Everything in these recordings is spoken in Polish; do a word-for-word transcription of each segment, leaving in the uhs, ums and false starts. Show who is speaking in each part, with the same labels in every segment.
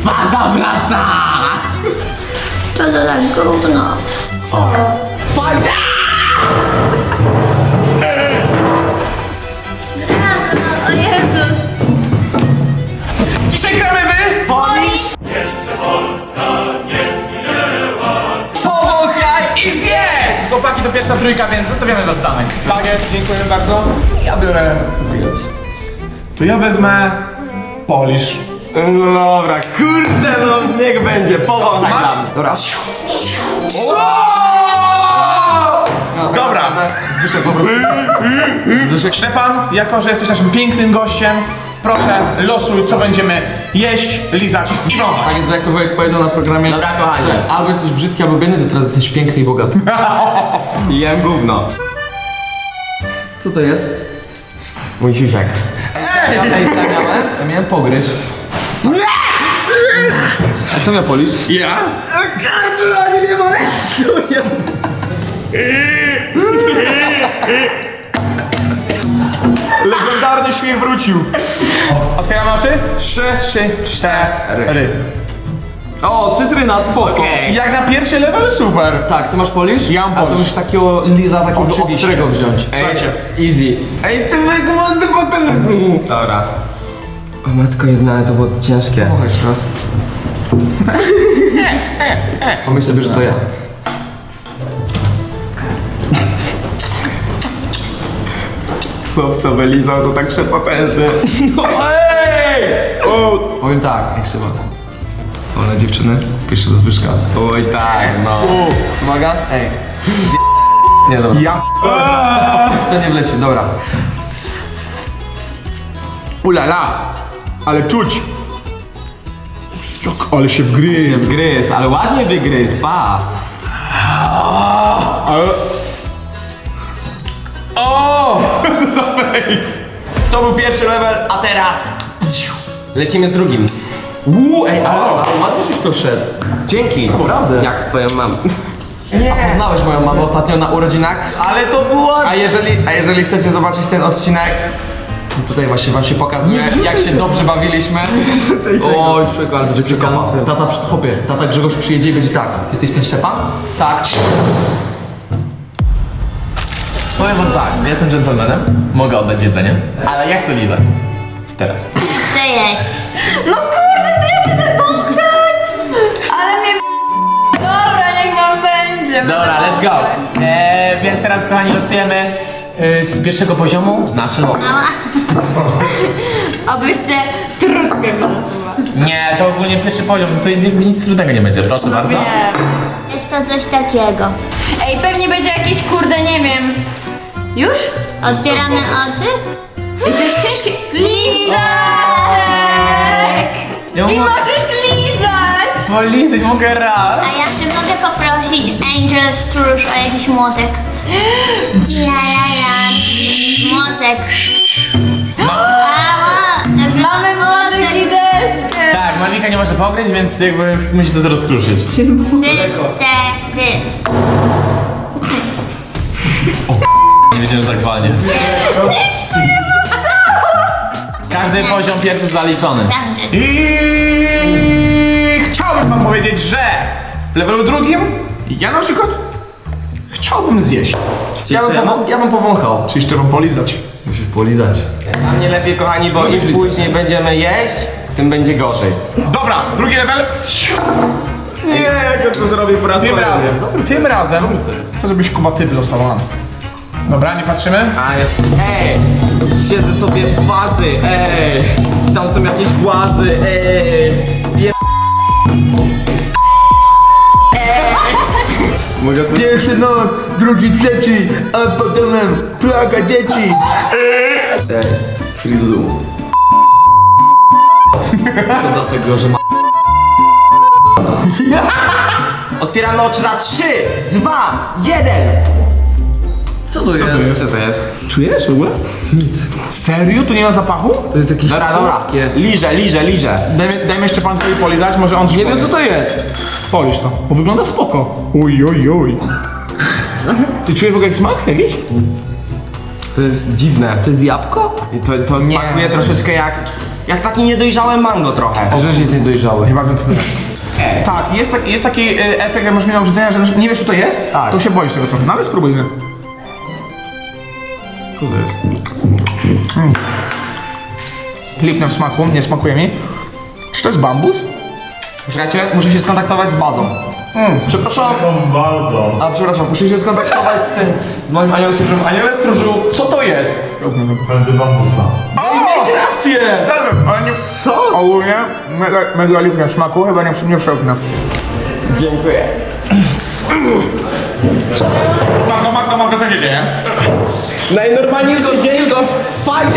Speaker 1: Faza wraca!
Speaker 2: To to tak gówno.
Speaker 1: Co? Faza!
Speaker 2: O Jezus.
Speaker 1: Dzisiaj gramy wy!
Speaker 3: Polisz!
Speaker 1: Powąchaj i zjedz! Chłopaki, to pierwsza trójka, więc zostawiamy was samych.
Speaker 4: Tak jest, dziękuję bardzo.
Speaker 1: Ja biorę zjedz.
Speaker 4: To ja wezmę... Polisz.
Speaker 3: No dobra, kurde no, niech będzie, powąchaj
Speaker 4: Masz?
Speaker 3: tam.
Speaker 1: Dobra.
Speaker 4: Dobra.
Speaker 1: Zbyszek po prostu.
Speaker 4: Zbyszek. Szczepan, jako że jesteś naszym pięknym gościem, proszę losuj, co będziemy jeść, lizać i wąchać.
Speaker 5: Tak jest, bo jak to wujek powiedział na programie,
Speaker 3: Dobra, kochanie.
Speaker 5: że albo jesteś brzydki, albo biedny, to teraz jesteś piękny i bogaty.
Speaker 3: Jem gówno.
Speaker 5: Co to jest?
Speaker 3: Mój siusiak.
Speaker 5: Ja, ej, co ja miałem? Ja miałem pogryź. A kto miał polisz?
Speaker 4: Ja? Legendarny śmiech wrócił. Otwieramy oczy? Trzy, trzy, cztery.
Speaker 5: O, cytryna, spoko.
Speaker 3: Okej.
Speaker 4: Jak na pierwszy level super.
Speaker 5: Tak, ty masz polisz?
Speaker 4: Ja mam
Speaker 5: A to
Speaker 4: polisz.
Speaker 5: musisz takiego liza, takiego
Speaker 4: Oczywiście.
Speaker 5: ostrego wziąć.
Speaker 4: Słuchajcie.
Speaker 3: Easy. Ej, ty wygląda potem... Dobra. O matko jedna, ale to było ciężkie.
Speaker 5: Pochaj jeszcze raz. Pomyśl sobie, że to ja.
Speaker 3: Chłopco wylizał to tak przepotężnie.
Speaker 5: Powiem tak, jeszcze raz. Wolne dziewczyny, pierwsze do Zbyszka.
Speaker 3: Oj tak, no.
Speaker 5: Uwaga, ej. Nie, dobra.
Speaker 4: Ja.
Speaker 5: To nie wleci, dobra.
Speaker 4: Ulala. Ale czuć. Jak, ale się wgryzł.
Speaker 3: Wgryz, ale ładnie wygryz, pa.
Speaker 4: Ale... O! Co za face?
Speaker 3: To był pierwszy level, a teraz... Lecimy z drugim.
Speaker 5: Uuu, ej, ale, ale ładnie żeś to szedł.
Speaker 3: Dzięki.
Speaker 5: Naprawdę.
Speaker 3: Jak twoją mamę.
Speaker 5: A poznałeś moją mamę ostatnio na urodzinach?
Speaker 3: Ale to było...
Speaker 5: A jeżeli, a jeżeli chcecie zobaczyć ten odcinek, to tutaj właśnie wam się pokazuje, jak się dobrze bawiliśmy. Oj, człowieku, ale będzie przekopa. Tata, przy- chłopie, tata Grzegorz przyjedzie i będzie tak. Jesteś ten Szczepan? Tak.
Speaker 1: Powiem wam tak, ja jestem dżentelmenem, mogę oddać jedzenie, ale ja chcę lizać. Teraz.
Speaker 2: Chcę jeść.
Speaker 6: No kurde, to ja będę wąchać! Ale mnie... Dobra, niech wam będzie.
Speaker 1: Dobra, let's go. Eee, więc teraz, kochani, losujemy e, z pierwszego poziomu nasze losy.
Speaker 6: Abyście trudnie wylosować.
Speaker 1: Nie, to ogólnie pierwszy poziom, to jest, nic trudnego nie będzie, proszę bardzo.
Speaker 6: Nie.
Speaker 2: Jest to coś takiego.
Speaker 6: Ej, pewnie będzie jakieś kurde, nie wiem. Już?
Speaker 2: Otwieramy oczy.
Speaker 6: I to jest ciężkie. Lizaczek!
Speaker 1: Ja
Speaker 6: I
Speaker 1: mogę
Speaker 6: możesz lizać!
Speaker 1: polizać, mogę raz.
Speaker 2: A ja czy mogę poprosić Angel Stróż o jakiś młotek? Ja, ja, ja. Młotek. Ała,
Speaker 6: Mamy młodych i deskę!
Speaker 1: Tak, Malwika nie może pogryźć, więc jakby musi to rozkruszyć.
Speaker 2: Trzy, cztery.
Speaker 1: Nie wiedziałem, że tak walniesz. Każdy poziom pierwszy zaliczony.
Speaker 2: Prawda.
Speaker 4: I chciałbym wam powiedzieć, że w levelu drugim ja na przykład chciałbym zjeść.
Speaker 5: Ja bym, powo- ja bym powąchał.
Speaker 4: Czy jeszcze wam polizać?
Speaker 5: Musisz polizać.
Speaker 3: A mnie lepiej, kochani, bo im później będziemy jeść, tym będzie gorzej.
Speaker 4: Dobra, drugi level.
Speaker 3: Nie, jak to zrobię po raz
Speaker 4: Tym razem, tym razem to żebyś Kuba ty wylosowany. Dobra, nie patrzymy?
Speaker 3: A jest... Ej! Siedzę sobie w wazy, ej! Tam są jakieś głazy, ej! Wie... Mogę sobie...
Speaker 7: Pierwszy noc, drugi, trzeci, a potem plaga dzieci.
Speaker 3: Ej, frizu.
Speaker 5: To dlatego, że ma...
Speaker 3: Otwieramy oczy za trzy, dwa, jeden!
Speaker 5: Co to jest?
Speaker 3: Co to jest?
Speaker 4: Czujesz w ogóle?
Speaker 5: Nic.
Speaker 4: Serio? Tu nie ma zapachu?
Speaker 5: To jest jakieś
Speaker 3: Dobra, dobra.
Speaker 5: słodkie.
Speaker 3: Liżę, liżę, liżę.
Speaker 4: Dajmy, dajmy jeszcze pan tutaj polizać, może on
Speaker 5: Nie wiem, co to jest.
Speaker 4: Polisz to, bo wygląda spoko. Uj, uj, uj. Ty czujesz w ogóle jak smak jakiś?
Speaker 3: To jest dziwne.
Speaker 5: To jest jabłko?
Speaker 3: To, to smakuje troszeczkę jak... Jak taki niedojrzałe mango trochę.
Speaker 5: Rzecz jest niedojrzały.
Speaker 4: Chyba wiem co to jest. Tak, jest, tak, jest taki e, efekt, jak masz mi na obrzydzenia, że nie wiesz co to jest,
Speaker 5: Tak.
Speaker 4: to się boisz tego trochę. No ale spróbujmy. Co to jest? Mm. Lipne w smaku, nie smakuje mi. Czy to jest bambus?
Speaker 5: Poczekajcie, muszę się skontaktować z bazą.
Speaker 4: Mm.
Speaker 5: Przepraszam. A przepraszam, muszę się skontaktować z tym, z moim aniołem stróżem. Aniołem stróżu, co to jest?
Speaker 7: Będę bambusa.
Speaker 5: Mieć rację!
Speaker 4: Ale nie... Co? Ogólnie mega, mega lipne w smaku, chyba nie, nie przełknę.
Speaker 3: Dziękuję.
Speaker 4: Marko, Marko, Marko, co się dzieje?
Speaker 3: Najnormalniej się dzieje to fajnie.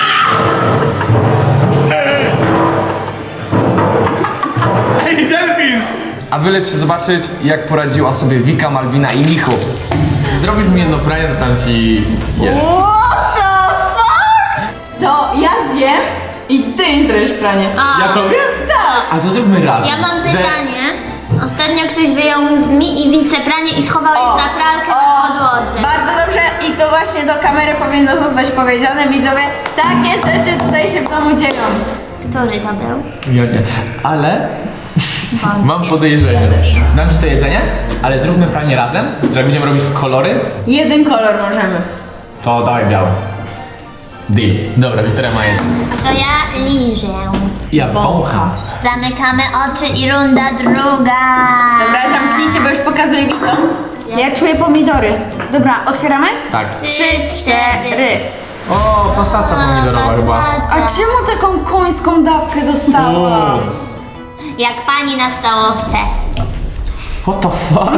Speaker 4: Ej, delfin!
Speaker 5: A wy lećcie zobaczyć, jak poradziła sobie Wika, Malwina i Michu.
Speaker 1: Zrobisz mi jedno pranie, to tam ci jesz.
Speaker 6: What the fuck? To ja zjem i ty im zrobisz pranie.
Speaker 2: A,
Speaker 1: Ja tobie?
Speaker 6: Tak.
Speaker 1: A to zróbmy razem.
Speaker 2: ja mam
Speaker 1: że-
Speaker 2: pytanie. Ostatnio ktoś wyjął mi i Wice pranie i schował je
Speaker 6: O,
Speaker 2: za pralkę
Speaker 6: o,
Speaker 2: na podłodze.
Speaker 6: Bardzo dobrze i to właśnie do kamery powinno zostać powiedziane, widzowie. Takie rzeczy tutaj się w domu dzieją.
Speaker 2: Który to był?
Speaker 1: Ja nie. Ale mam podejrzenie. Dam ci to jedzenie, ale zróbmy pranie razem, że będziemy robić w kolory,
Speaker 6: Jeden kolor możemy.
Speaker 1: to dawaj biały. Deal. Dobra, Wiktoria ma jedzenie.
Speaker 2: To ja liżę.
Speaker 1: Ja wącham.
Speaker 2: Zamykamy oczy i runda druga.
Speaker 6: Dobra, zamknijcie, bo już pokazuję widzom. Ja czuję pomidory. Dobra, otwieramy?
Speaker 1: Tak.
Speaker 2: Trzy, cztery.
Speaker 1: O, pasata pomidorowa chyba.
Speaker 6: A czemu taką końską dawkę dostałam?
Speaker 2: Jak pani na stołowce.
Speaker 1: What the fuck?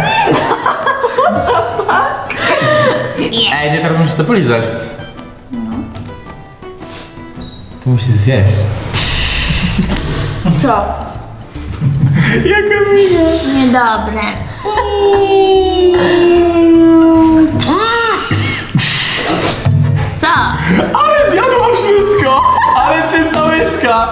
Speaker 2: Nie.
Speaker 1: Ej, nie, teraz musisz to polizać. To musisz zjeść.
Speaker 6: Co?
Speaker 2: Niedobre. Co?
Speaker 1: Ale zjadła wszystko! Ale czysta łyżka!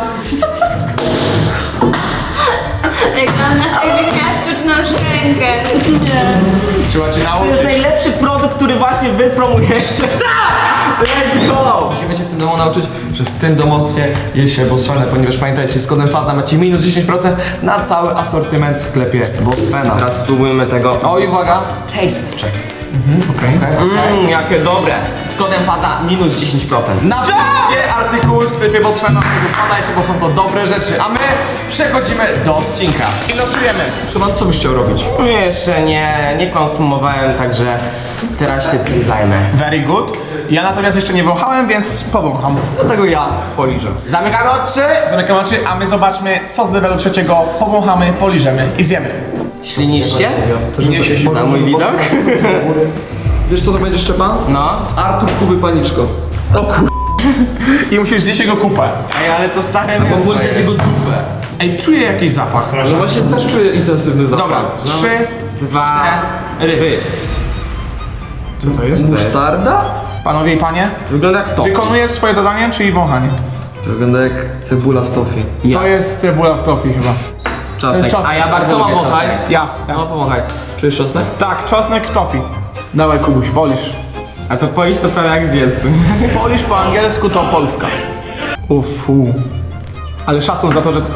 Speaker 2: Wyglądasz jakbyś miała sztuczną szczękę.
Speaker 1: Trzeba cię
Speaker 3: To jest
Speaker 1: nauczyć.
Speaker 3: najlepszy produkt, który właśnie wy promujecie. Tak! Let's go!
Speaker 5: Musimy się w tym domu nauczyć, że w tym domostwie je się Bosfenę, ponieważ pamiętajcie, z kodem FAZA macie minus dziesięć procent na cały asortyment w sklepie Bosfena.
Speaker 3: Teraz spróbujmy tego.
Speaker 5: O i uwaga,
Speaker 3: Taste check.
Speaker 4: Okej.
Speaker 3: Mmm, jakie dobre. Z kodem faza minus dziesięć procent.
Speaker 5: na wszystkie artykuły w sklepie Bosfena, wpadajcie, bo są to dobre rzeczy, a my przechodzimy do odcinka.
Speaker 4: I losujemy.
Speaker 5: Szymon, co byś chciał robić?
Speaker 3: Jeszcze nie, nie konsumowałem, także teraz się tym zajmę.
Speaker 4: Very good. Ja natomiast jeszcze nie wąchałem, więc powącham.
Speaker 5: Dlatego ja poliżę.
Speaker 3: Zamykamy oczy.
Speaker 4: Zamykam oczy, a my zobaczmy, co z levelu trzeciego powąchamy, poliżemy i zjemy.
Speaker 3: Ślinisz się?
Speaker 4: Niesie się.
Speaker 3: Na mój widok?
Speaker 5: Wiesz co to będzie, Szczepan?
Speaker 3: No.
Speaker 5: Artur Kuby Paniczko.
Speaker 4: O kur... I musisz zjeść jego kupę.
Speaker 3: Ej, ale to stare
Speaker 5: Bo
Speaker 3: mięso
Speaker 5: wólce
Speaker 3: jest.
Speaker 5: jego dupę.
Speaker 4: Ej, czuję jakiś zapach.
Speaker 5: No właśnie też czuję intensywny zapach.
Speaker 4: Dobra, trzy...
Speaker 3: Dwa, ry.
Speaker 4: Co to jest?
Speaker 5: Musztarda?
Speaker 4: Panowie i panie,
Speaker 3: Wygląda jak to.
Speaker 4: wykonuję swoje zadanie, czyli wąchanie.
Speaker 5: To wygląda jak cebula w tofi.
Speaker 3: Ja.
Speaker 4: To jest cebula w tofi chyba.
Speaker 5: Czosnek.
Speaker 4: czosnek.
Speaker 3: A ja bardzo
Speaker 5: Kto ma
Speaker 3: lubię
Speaker 5: wąchaj?
Speaker 3: czosnek.
Speaker 4: Ja, ja.
Speaker 5: No pomachaj. Czujesz czosnek?
Speaker 4: Tak, czosnek w tofi. Dawaj Kubuś, polisz.
Speaker 3: A to poiść to prawie jak zjedz.
Speaker 4: Polisz po angielsku to Polska. Ufu. Ale szacun za to, że...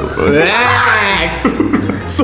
Speaker 4: Co?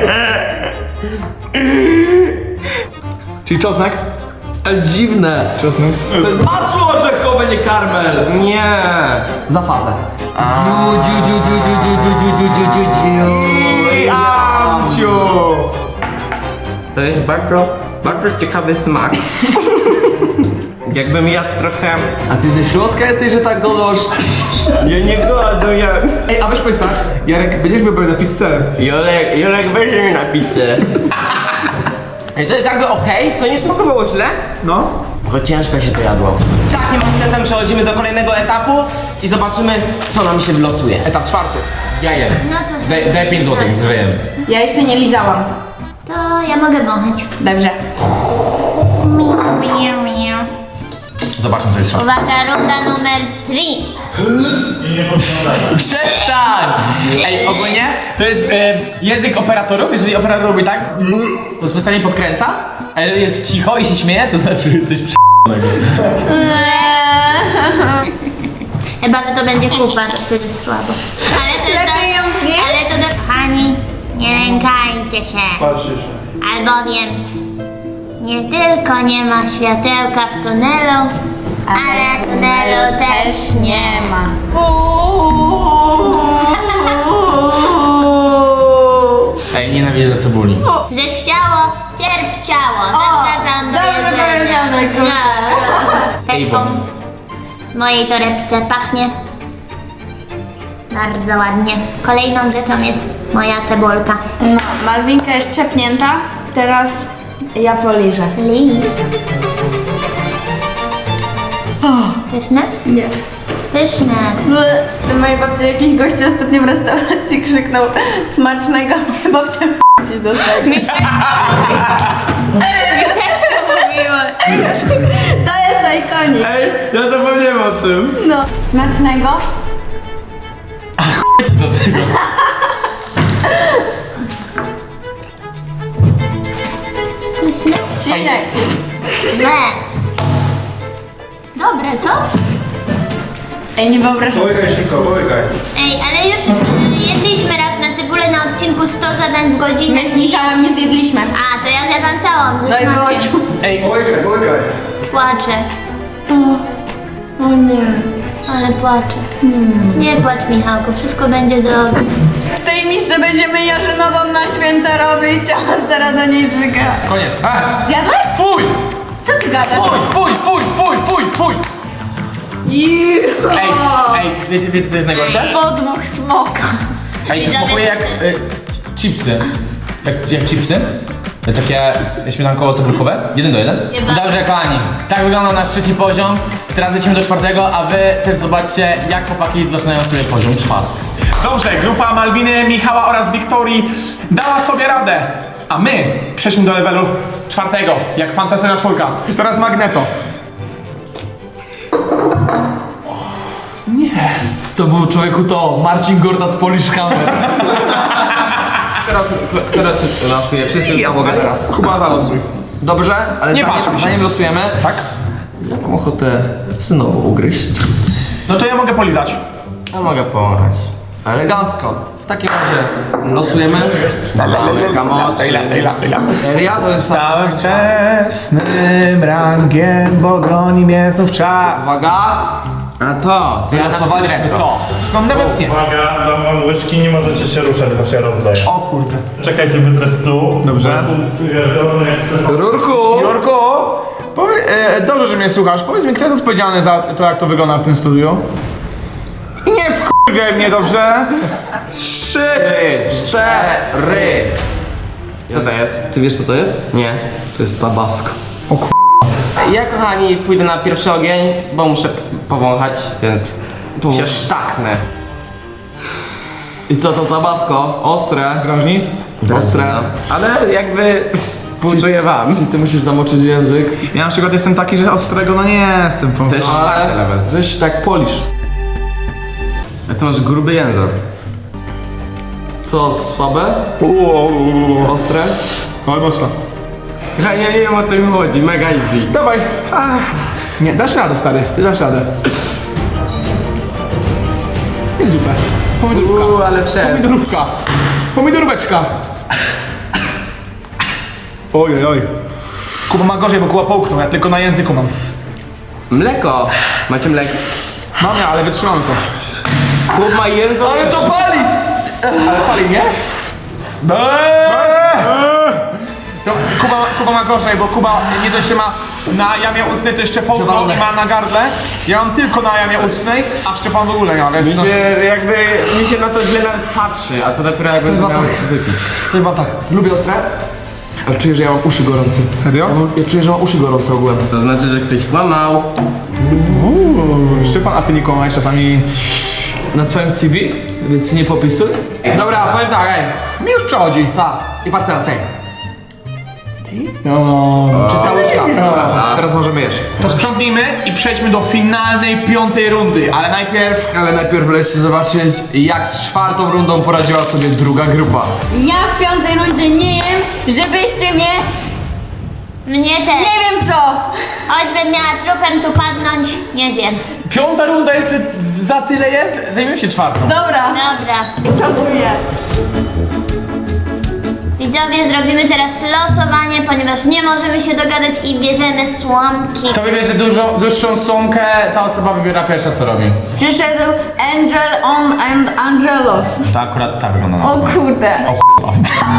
Speaker 4: Czyli czosnek?
Speaker 5: Ale dziwne.
Speaker 4: Czosnek.
Speaker 5: To jest masło orzechowe, nie karmel.
Speaker 3: Nie.
Speaker 5: Za fazę. Dziu, dziu, dziu, dziu, dziu, dziu, dziu, dziu, dziu, dziu, dziu.
Speaker 4: Amciu!
Speaker 3: To jest bardzo, bardzo ciekawy smak. Jakbym jadł trochę...
Speaker 5: A ty ze Śląska jesteś, że tak dodasz?
Speaker 3: Ja nie goduję.
Speaker 4: Ej, a weź powiedz tak, Jarek, będziesz miał na pizzę.
Speaker 3: Jolek, Jolek weźmie mnie na pizzę. Ej, to jest jakby okej, to nie smakowało źle.
Speaker 4: No.
Speaker 3: Tylko ciężko się to jadło. Takim akcentem przechodzimy do kolejnego etapu i zobaczymy, co nam się wylosuje.
Speaker 4: Etap czwarty.
Speaker 1: Ja jem.
Speaker 2: No to
Speaker 1: Daj, daj pięć złotych, zżyjemy.
Speaker 6: Ja jeszcze nie lizałam.
Speaker 2: To ja mogę wąchać.
Speaker 6: Dobrze.
Speaker 2: Miau, miau, miau.
Speaker 1: Zobaczmy co jest.
Speaker 2: Uwaga, runda numer trzy.
Speaker 1: Przestań! Ej, ogólnie to jest e, język operatorów. Jeżeli operator robi tak, to specjalnie podkręca, ale jest cicho i się śmieje, to znaczy, że jesteś przy...
Speaker 2: Chyba, że to będzie kupa, to wtedy słabo. Ale to jest
Speaker 6: Lepiej ją zjeść?
Speaker 2: Ale to do... Kochani, nie lękajcie się.
Speaker 7: Patrzcie się.
Speaker 2: Albowiem nie tylko nie ma światełka w tunelu, ale tunelu też nie ma.
Speaker 1: Ej, nienawidzę cebuli.
Speaker 2: Żeś chciało, cierp ciało. Zapraszam do
Speaker 6: dobrze
Speaker 2: jedzenia.
Speaker 6: powiedziane, kurwa.
Speaker 2: Perfum w mojej torebce pachnie bardzo ładnie. Kolejną rzeczą jest moja cebulka.
Speaker 6: No, Malwinka jest czepnięta, teraz ja poliżę.
Speaker 2: Lis. Pyszne?
Speaker 6: Nie.
Speaker 2: Pyszne.
Speaker 6: Ty mojej babci jakiś gościu ostatnio w restauracji krzyknął smacznego, babcia ci do tego. Mi też to mówiła. To jest ikonik.
Speaker 3: Ej, ja zapomniałem o tym.
Speaker 6: No. Smacznego?
Speaker 1: Chodź do tego.
Speaker 2: Pyszne.
Speaker 6: Cinek.
Speaker 2: Ble. Dobre, co?
Speaker 6: Ej, nie wyobrażam sobie.
Speaker 7: Połykaj szybko, połykaj.
Speaker 2: Ej, ale już y, jedliśmy raz na cebulę na odcinku sto zadań w godzinę.
Speaker 6: My z Michałem nie zjedliśmy.
Speaker 2: A, to ja zjadam całą,
Speaker 6: No
Speaker 2: ze
Speaker 6: i było
Speaker 2: smakiem.
Speaker 6: czuć.
Speaker 1: Ej,
Speaker 7: Połykaj, połykaj.
Speaker 2: Płaczę,
Speaker 6: O nie.
Speaker 2: ale płaczę. Nie płacz, Michałku, wszystko będzie dobrze.
Speaker 6: W tej misce będziemy jarzynową na święta robić, a teraz do niej żyga.
Speaker 1: koniec. A,
Speaker 6: Zjadłeś?
Speaker 1: fuj!
Speaker 6: Co ty gadasz?
Speaker 1: Fuj, fuj, fuj, fuj, fuj, fuj! Ej, ej, wiecie, wiecie co jest najgorsze?
Speaker 6: Podmuch smoka.
Speaker 1: Ej, to smakuje jak y, chipsy. Jak, jak chipsy. Takie śmietankowo-cebulkowe. Jeden do jeden. Dobrze, kochani. Tak wygląda nasz trzeci poziom. Teraz lecimy do czwartego, a wy też zobaczcie, jak chłopaki zaczynają sobie poziom czwarty.
Speaker 4: Dobrze, grupa Malwiny, Michała oraz Wiktorii dała sobie radę. A my przejdźmy do levelu czwartego, jak fantastyczna czwórka. Teraz Magneto.
Speaker 5: To był człowieku to, Marcin Gortat Polish Hammer.
Speaker 3: Teraz, teraz losuję wszyscy.
Speaker 5: Ja mogę teraz.
Speaker 4: Kuba, zalosuj.
Speaker 5: Dobrze, ale
Speaker 4: Nie
Speaker 5: zanim,
Speaker 4: patrz mi się.
Speaker 5: zanim losujemy,
Speaker 4: Tak?
Speaker 5: ja mam ochotę synowo ugryźć.
Speaker 4: No to ja mogę polizać.
Speaker 3: Ja mogę pomachać.
Speaker 5: Elegancko. W takim razie losujemy.
Speaker 3: Zamykam oczy.
Speaker 4: Sejla, sejla, sejla.
Speaker 5: Ja to jest
Speaker 4: Stałem wczesnym rangiem, bo goni mnie znów czas.
Speaker 5: Uwaga,
Speaker 3: A to, to ja
Speaker 5: losowaliśmy to.
Speaker 4: Skąd nawet nie?
Speaker 8: Uwaga, dam wam łyżki, nie możecie się ruszać, bo się rozdaje.
Speaker 4: O kurde.
Speaker 8: Czekajcie, wytrę stół.
Speaker 4: Dobrze.
Speaker 8: Bo tu pierdolę, jak to-
Speaker 5: Rurku!
Speaker 4: Jorku, powie, e, dobrze, że mnie słuchasz. Powiedz mi, kto jest odpowiedzialny za to, jak to wygląda w tym studiu? I nie wkurwiaj mnie, dobrze?
Speaker 3: Trzy, cztery. Co to jest?
Speaker 5: Ty wiesz co to jest?
Speaker 3: Nie.
Speaker 5: To jest tabasco.
Speaker 3: Ja, kochani, pójdę na pierwszy ogień, bo muszę powąchać, więc się sztachnę.
Speaker 5: I co to tabasco? Ostre.
Speaker 4: Drażni?
Speaker 5: Ostre.
Speaker 3: Ale jakby współczuję wam.
Speaker 5: Ty musisz zamoczyć język.
Speaker 4: Ja na przykład jestem taki, że ostrego no nie jestem.
Speaker 3: To jest czwarty
Speaker 5: Ale
Speaker 3: level.
Speaker 5: weź tak polisz.
Speaker 3: A ty masz gruby język.
Speaker 5: Co, słabe? Ostre?
Speaker 4: Oj, mocno.
Speaker 3: Ja nie wiem, o co mi chodzi, mega easy.
Speaker 4: Dawaj. Ach. Nie, dasz radę, stary. Ty dasz radę. Jest zupę. Pomidorówka.
Speaker 3: Uuu, ale wszedł.
Speaker 4: Pomidorówka. Pomidoróweczka. Oj, oj, oj. Kuba ma gorzej, bo Kuba połknął. Ja tylko na języku mam.
Speaker 3: Mleko. Macie mleko?
Speaker 4: Mam ja, ale wytrzymamy to.
Speaker 3: Chłop ma język.
Speaker 5: Ale to pali!
Speaker 4: Ale pali, nie? To Kuba, Kuba ma gorzej, bo Kuba nie dość, że ma na jamie ustnej, to jeszcze połknął
Speaker 5: Przewalone.
Speaker 4: i ma na gardle. Ja mam tylko na jamie ustnej, a Szczepan w ogóle nie ma,
Speaker 3: Mi
Speaker 4: więc no.
Speaker 3: się jakby, mi się na to źle nawet patrzy, a co dopiero jak będę
Speaker 5: Chyba
Speaker 3: miał
Speaker 5: tak.
Speaker 3: wypić.
Speaker 5: Powiem wam tak, lubię ostre, ale czuję, że ja mam uszy gorące.
Speaker 4: Serio?
Speaker 5: Ja, mam, ja czuję, że mam uszy gorące ogółem.
Speaker 3: To znaczy, że ktoś kłamał.
Speaker 4: Szczepan, a ty nie kłamałeś czasami.
Speaker 5: Na swoim C V, więc nie popisuj. Dobra, powiem tak, ej.
Speaker 4: Mi już przechodzi.
Speaker 5: Tak, i patrz teraz, ej.
Speaker 4: No.
Speaker 5: Czysta łyżka. Dobra, teraz możemy jeść.
Speaker 4: To sprzątnijmy i przejdźmy do finalnej, piątej rundy, ale najpierw...
Speaker 5: Ale najpierw lećcie zobaczyć, jak z czwartą rundą poradziła sobie druga grupa.
Speaker 6: Ja w piątej rundzie nie jem, żebyście mnie
Speaker 2: Mnie też.
Speaker 6: Nie wiem co!
Speaker 2: Choćbym miała trupem tu padnąć, nie zjem.
Speaker 1: Piąta runda jeszcze za tyle jest? Zajmiemy się czwartą.
Speaker 6: Dobra,
Speaker 2: Dobra.
Speaker 6: żartuję.
Speaker 2: Widzowie, zrobimy teraz losowanie, ponieważ nie możemy się dogadać i bierzemy słomki.
Speaker 1: Kto wybierze dużo, dłuższą słomkę, ta osoba wybiera pierwsza co robi.
Speaker 6: Przyszedł Angel on and Angelos.
Speaker 1: To akurat tak wygląda na
Speaker 6: O kurde.
Speaker 2: O,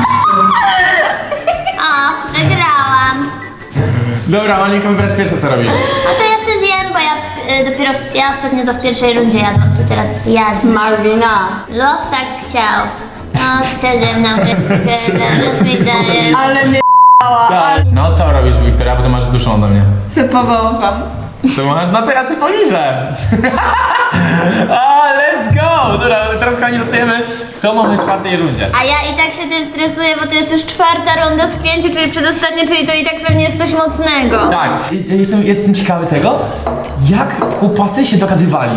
Speaker 2: wygrałam.
Speaker 1: Dobra, Monika, wybierasz pierwsze co robisz.
Speaker 2: A to ja się zjem, bo ja y, dopiero, w, ja ostatnio to w pierwszej rundzie jadłam, to teraz ja zjem.
Speaker 6: Malwina.
Speaker 2: Los tak chciał. No, chce ze mną grać w pokerę, los mi daje.
Speaker 6: Ale mnie
Speaker 1: Tak. No co robisz, Wiktoria, bo to masz dłuższą ode mnie.
Speaker 6: sypowałam.
Speaker 1: Co masz? No to ja sobie poliżę. A, let's go! Dobra, teraz kochani losujemy, co mamy w czwartej rundzie.
Speaker 2: A ja i tak się tym stresuję, bo to jest już czwarta runda z pięciu, czyli przedostatnia, czyli to i tak pewnie jest coś mocnego.
Speaker 1: Tak, i- jestem, jestem ciekawy tego, jak chłopacy się dogadywali.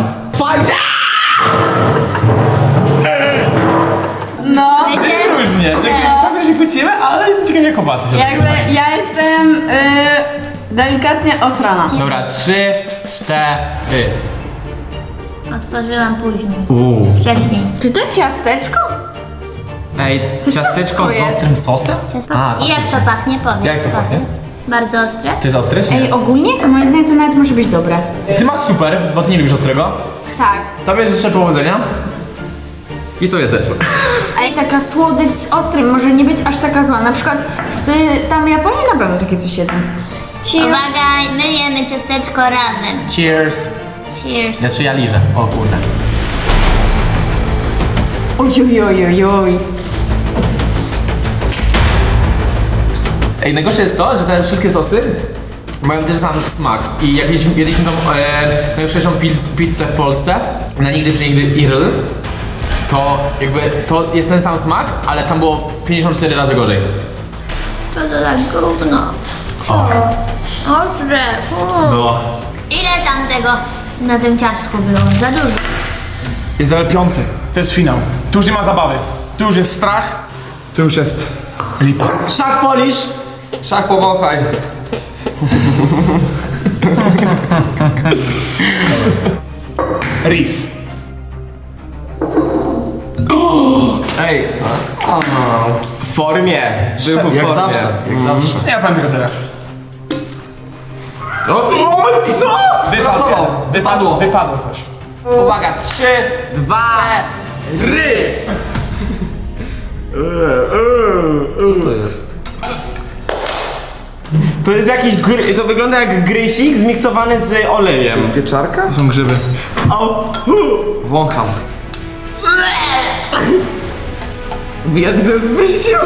Speaker 6: No.
Speaker 1: To jest różnie, że jakieś czasem się kłócimy, ale jestem ciekawy, jak chłopacy się
Speaker 6: Jakby
Speaker 1: dogadywali.
Speaker 6: ja jestem y, delikatnie osrana.
Speaker 1: Dobra, trzy, cztery.
Speaker 2: Otworzyłam później.
Speaker 1: Uuu.
Speaker 2: Wcześniej.
Speaker 6: Czy to ciasteczko?
Speaker 1: Ej,
Speaker 6: To
Speaker 1: ciasteczko
Speaker 6: ciastko
Speaker 1: z
Speaker 6: jest.
Speaker 1: ostrym sosem?
Speaker 2: Ciasto.
Speaker 1: A,
Speaker 2: I jak to
Speaker 1: faktycznie.
Speaker 2: pachnie? Powiedz.
Speaker 1: Jak to pachnie?
Speaker 2: powiedz. Bardzo ostre?
Speaker 1: To jest ostre czy nie?
Speaker 6: Ej, ogólnie to moim zdaniem to nawet może być dobre.
Speaker 1: Ty masz super, bo ty nie lubisz ostrego.
Speaker 6: Tak.
Speaker 1: Tobie życzę powodzenia. I sobie też.
Speaker 6: Ej, taka słodycz z ostrym może nie być aż taka zła. Na przykład w tam Japonii na pewno takie coś jedzą.
Speaker 2: Uwaga, my jemy ciasteczko razem.
Speaker 1: Cheers.
Speaker 2: Cheers.
Speaker 1: Znaczy ja liżę. O kurde.
Speaker 6: Ojojojojoj.
Speaker 1: Ej, najgorsze jest to, że te wszystkie sosy mają ten sam smak. I jak jedliśmy, jedliśmy tą e, najlepszą piz- pizzę w Polsce, na nigdy przenigdy Irl, to jakby to jest ten sam smak, ale tam było pięćdziesiąt cztery razy gorzej.
Speaker 2: To to tak gówno. Co? Ostre, fu.
Speaker 1: Było.
Speaker 2: Ile tam tego na tym ciastku było? Za dużo.
Speaker 4: Jest level piąty. To jest finał. Tu już nie ma zabawy. Tu już jest strach. Tu już jest lipa.
Speaker 3: Szach polisz!
Speaker 5: Szach powąchaj.
Speaker 4: Ris.
Speaker 5: Ej, a, a,
Speaker 3: W formie. Był w
Speaker 5: jak
Speaker 3: formie.
Speaker 5: zawsze, jak zawsze.
Speaker 4: Ja powiem tylko tyle.
Speaker 5: O,
Speaker 4: Co? Wypadło.
Speaker 5: Pracował.
Speaker 4: Wypadło. Wypadło coś.
Speaker 3: Uwaga, trzy, dwa, ry!
Speaker 5: co to jest?
Speaker 3: To jest jakiś gry, to wygląda jak grysik zmiksowany z olejem.
Speaker 5: Pieczarka?
Speaker 4: To są grzyby.
Speaker 5: Wącham.
Speaker 3: Biedny Zbysiu.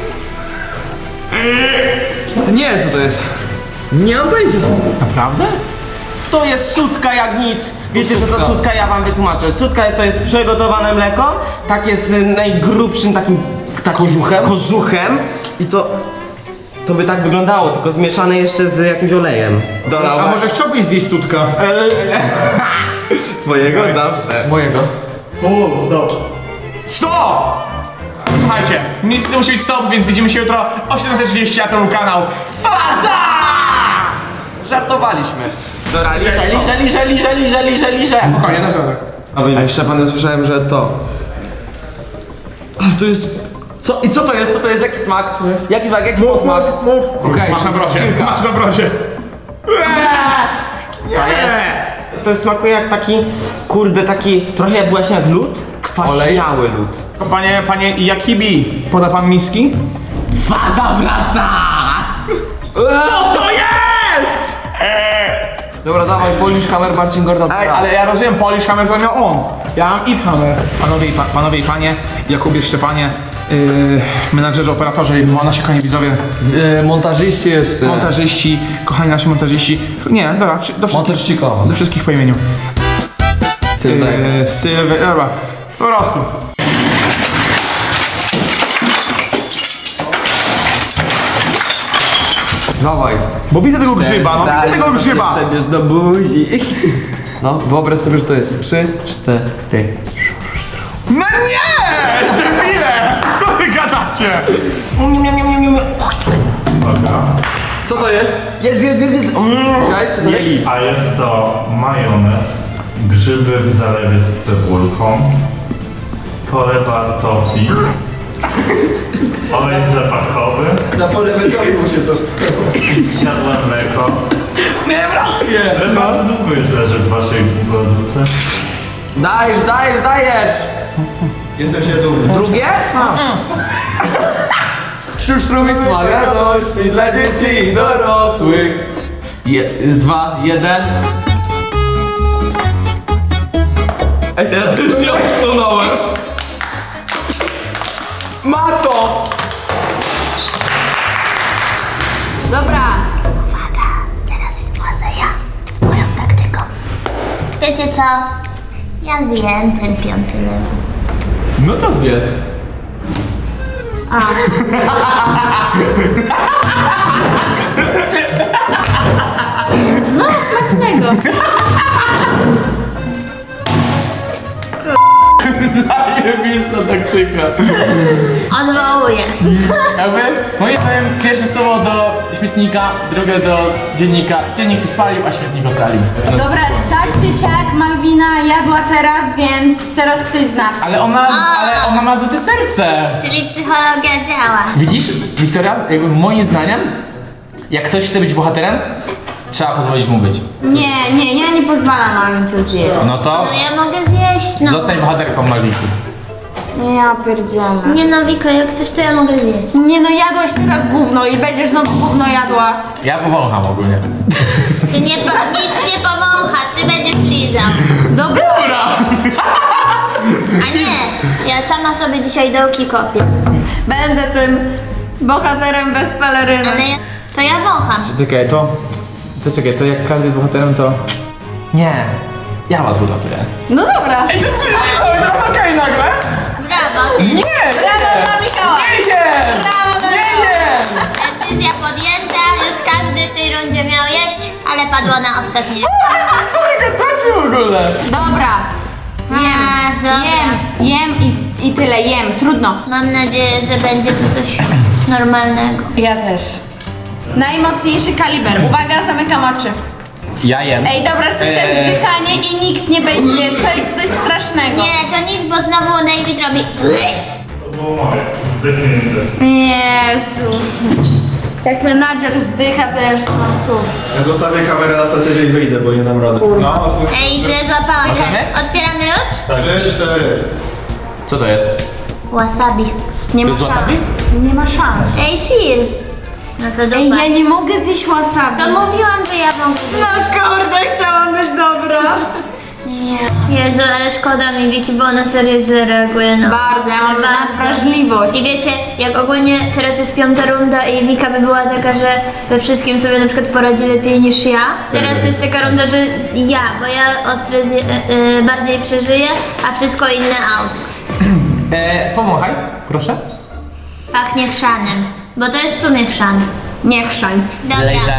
Speaker 5: Ty nie wiem co to jest.
Speaker 3: Nie mam pojęcia.
Speaker 4: Naprawdę?
Speaker 3: To jest sutka jak nic. Wiecie co to
Speaker 5: Sutka.
Speaker 3: sutka? Ja wam wytłumaczę. Sutka to jest przygotowane mleko, takie z najgrubszym takim, takim
Speaker 5: Kożuchem?
Speaker 3: kożuchem i to to by tak wyglądało, tylko zmieszane jeszcze z jakimś olejem. Dobra,
Speaker 4: A może chciałbyś zjeść sutka?
Speaker 3: twojego zawsze.
Speaker 5: Mojego.
Speaker 4: Stop! Słuchajcie, niestety musi być stop, więc widzimy się jutro o siedemset trzydzieści, a to był kanał Faza!
Speaker 5: Żartowaliśmy.
Speaker 3: Dobra, liże, liże, liże, liże, liże, liże, liże.
Speaker 4: Spokojnie, dasz radę.
Speaker 5: A jeszcze pan ja słyszałem, że to. Ale to jest. Co? I co to jest? Co to jest? Jaki smak? Jaki smak? Jaki posmak?
Speaker 4: Mów.
Speaker 5: Okej,
Speaker 4: Masz na brodzie,
Speaker 5: kilka.
Speaker 4: masz na brodzie.
Speaker 3: To jest smakuje jak taki, kurde, taki trochę jak właśnie jak lód, kwaśniały lód.
Speaker 4: Panie, panie Jakibi, poda pan miski?
Speaker 3: Faza wraca!
Speaker 4: Co to jest?
Speaker 5: Dobra, dawaj, Polish Hammer, Marcin Gordon.
Speaker 4: Ej, ale ja rozumiem, Polish Hammer to miał on. Ja mam It Hammer. Panowie i, pa, panowie i panie, Jakubie Szczepanie, yy, menadżerzy, operatorzy, nasi kochani widzowie,
Speaker 5: Yy, montażyści jeszcze.
Speaker 4: montażyści, kochani nasi montażyści. Nie, dobra, wszy- do wszystkich,
Speaker 5: Montażyściko.
Speaker 4: do wszystkich po imieniu.
Speaker 5: Sylwek.
Speaker 4: Yy, Sylwy, dobra, po prostu.
Speaker 5: Dawaj.
Speaker 4: Bo widzę tego grzyba, no widzę tego grzyba.
Speaker 3: Przebierz do buzi.
Speaker 5: No, wyobraź sobie, że to jest trzy, cztery.
Speaker 4: No nie! Debile! Co wy gadacie?
Speaker 3: Miam, miam, miam, miam, miam.
Speaker 4: Uwaga.
Speaker 5: Co to jest?
Speaker 3: Jest, jest, jest, jest. Mm.
Speaker 5: Czekaj, co to jest?
Speaker 8: A jest to majonez, grzyby w zalewie z cebulką, polewa tofi, olej rzepakowy,
Speaker 7: Na pole wędrowi mu się coś.
Speaker 8: zsiadłe mleko.
Speaker 5: Miałem rację!
Speaker 8: Ale bardzo długo już leży w waszej lodówce.
Speaker 5: Dajesz, dajesz, dajesz!
Speaker 7: Jestem się dumny.
Speaker 5: Drugie? Szurszrumy smak radości dla dzieci i dorosłych. Je, dwa, jeden. Ej, teraz już się odsunąłem. Ma to!
Speaker 6: Dobra.
Speaker 2: Uwaga, teraz wchodzę ja z moją taktyką. Wiecie co? Ja zjem ten piąty level.
Speaker 1: No to zjedz.
Speaker 6: No, smacznego.
Speaker 1: Zajebista taktyka.
Speaker 2: Odwołuję.
Speaker 1: Jakby, moim zdaniem, pierwsze słowo do śmietnika, drugie do dziennika. Dziennik się spalił, a śmietnik ocalił.
Speaker 6: Dobra, tak czy siak Malwina jadła teraz, więc teraz ktoś z nas.
Speaker 1: Ale ona, ale ona ma złote serce.
Speaker 2: Czyli psychologia działa.
Speaker 1: Widzisz, Wiktoria, jakby moim zdaniem, jak ktoś chce być bohaterem, trzeba pozwolić mu być.
Speaker 6: Nie, nie, ja nie pozwalam Malwince zjeść.
Speaker 1: No to
Speaker 2: No ja mogę zjeść, no.
Speaker 1: zostań bohaterką Malwiki.
Speaker 6: Ja pierdzielę.
Speaker 2: Nie no, Wiko, jak coś to ja mogę zjeść.
Speaker 6: Nie no, jadłaś teraz gówno i będziesz znowu gówno jadła.
Speaker 1: Ja powącham ogólnie.
Speaker 2: Ty nie po, nic nie powąchasz, ty będziesz lizał.
Speaker 6: Dobra.
Speaker 2: A nie, ja sama sobie dzisiaj dołki kopię.
Speaker 6: Będę tym bohaterem bez peleryny.
Speaker 2: Ale ja, to ja wącham.
Speaker 1: Czekaj, to... To czekaj, to jak każdy jest bohaterem, to... Nie. Ja was uratuję.
Speaker 6: No dobra.
Speaker 1: Ej, to jest co? Teraz okej nagle?
Speaker 2: Brawo, ty.
Speaker 1: Nie!
Speaker 6: Brawo dla Michała.
Speaker 1: Nie jem!
Speaker 6: Brawo dla
Speaker 1: Nie
Speaker 6: Michała.
Speaker 1: jem!
Speaker 2: Decyzja podjęta, już każdy w tej rundzie miał jeść, ale padło na ostatnie.
Speaker 1: Co wy gadacie w ogóle?
Speaker 6: Dobra.
Speaker 2: A,
Speaker 6: Jem,
Speaker 2: dobra.
Speaker 6: jem, jem i, i tyle, jem, trudno.
Speaker 2: Mam nadzieję, że będzie tu coś normalnego.
Speaker 6: Ja też. Najmocniejszy kaliber. Uwaga, zamykam oczy.
Speaker 1: Ja jem.
Speaker 6: Ej, dobra, słyszę
Speaker 1: Eee.
Speaker 6: wzdychanie i nikt nie będzie. Co jest coś strasznego.
Speaker 2: Nie, to nic, bo znowu David robi...
Speaker 8: To było moje. Zdechnijcie.
Speaker 6: Jezus. Jak menadżer wzdycha, to jeszcze mam słów.
Speaker 7: Ja zostawię kamerę na statywie i wyjdę, bo nie dam rady. No, otwórz.
Speaker 2: Ej, źle złapałam.
Speaker 1: Możemy?
Speaker 2: Otwieramy już?
Speaker 7: Trzy, cztery.
Speaker 1: Co to jest?
Speaker 2: Wasabi.
Speaker 6: Nie
Speaker 1: To
Speaker 6: ma
Speaker 1: jest wasabi?
Speaker 6: szans. Nie ma szans.
Speaker 2: Ej, chill. No to dupa.
Speaker 6: Ej, ja nie mogę zjeść wasabi.
Speaker 2: To mówiłam, że ja wam
Speaker 6: No kurde, chciałam być dobra.
Speaker 2: Nie. Jezu, ale szkoda mi Wiki, bo ona serio źle reaguje na
Speaker 6: Bardzo, ja mam
Speaker 2: bardzo.
Speaker 6: nadwrażliwość.
Speaker 2: I wiecie, jak ogólnie teraz jest piąta runda i Wika by była taka, że we wszystkim sobie na przykład poradzi lepiej niż ja. Teraz jest taka runda, że ja, bo ja ostre zje, y, y, bardziej przeżyję, a wszystko inne out.
Speaker 1: E, powąchaj, proszę.
Speaker 2: Pachnie chrzanem, bo to jest w sumie chrzan.
Speaker 6: Nie chrzań.
Speaker 2: Dobra.
Speaker 1: Lejże.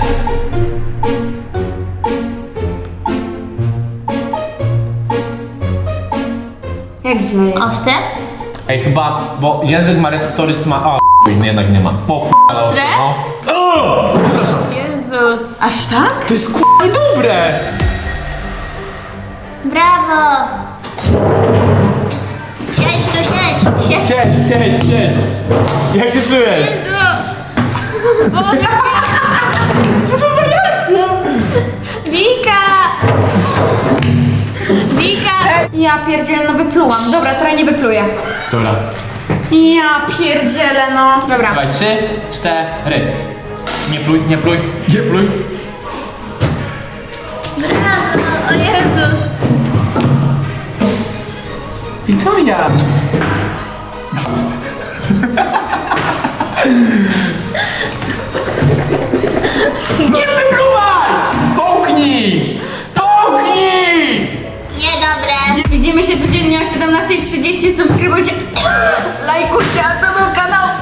Speaker 6: Jak źle jest.
Speaker 2: Ostre?
Speaker 1: Ej, chyba, bo język ma receptory sma... O, chuj, jednak nie ma. Po k***a,
Speaker 2: Ostre?
Speaker 1: No. O, przepraszam.
Speaker 2: Jezus.
Speaker 6: Aż tak?
Speaker 1: To jest k***a dobre!
Speaker 2: Brawo! Siedź tu, siedź! Siedź!
Speaker 1: Siedź, siedź, siedź. Jak się czujesz?
Speaker 2: Co to za reakcja? Wika! Wika!
Speaker 6: Ja pierdzielę, no wyplułam. Dobra, teraz nie wypluję.
Speaker 1: Dobra.
Speaker 6: Ja pierdzielę, no. Dobra.
Speaker 1: Dawaj, trzy, cztery. Nie pluj, nie pluj, nie pluj.
Speaker 2: Brawo! O Jezus!
Speaker 1: Wiktoria! Nie wypluwaj! Połknij! Połknij!
Speaker 2: Niedobre!
Speaker 6: Widzimy się codziennie o siedemnastej trzydzieści. Subskrybujcie, lajkujcie, a to był kanał